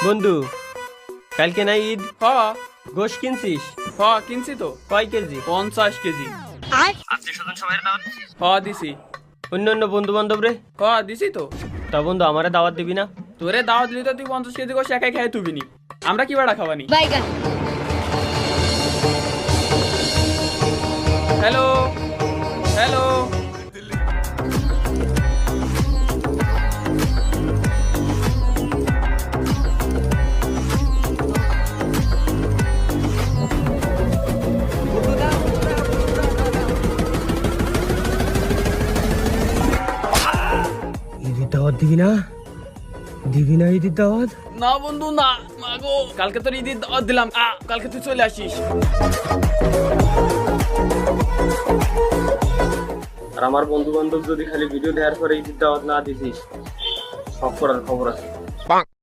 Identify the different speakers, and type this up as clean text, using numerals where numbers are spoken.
Speaker 1: বন্ধু, কালকে না ঈদ?
Speaker 2: হ
Speaker 1: গোশ কিনছিস?
Speaker 2: হ কিনছি তো
Speaker 1: কয় কেজি?
Speaker 2: 50 কেজি। হ দিছি।
Speaker 1: অন্য অন্য বন্ধু বান্ধব রে?
Speaker 2: হ দিছি তো।
Speaker 1: তা বন্ধু, আমারে দাওয়াত দিবি না?
Speaker 2: তোরে দাওয়াত দিলি তো তুই 50 কেজি গোশ একাই খেয়ে তুবিনি, আমরা কি বাড়া খাওয়ানি?
Speaker 3: বাইগান
Speaker 2: হ্যালো হ্যালো,
Speaker 1: ঈদের দাওয়াত দিবি না? দিবি না ঈদের দাওয়াত?
Speaker 2: না বন্ধু না, মাগো কালকে তোর ঈদের দাওয়াত দিলাম, কালকে তুই চলে আসিস।
Speaker 1: আর আমার বন্ধু বান্ধব যদি খালি ভিডিও দেওয়ার পরে ঈদের দাওয়াত না দিছিস, সব করার খবর আছে।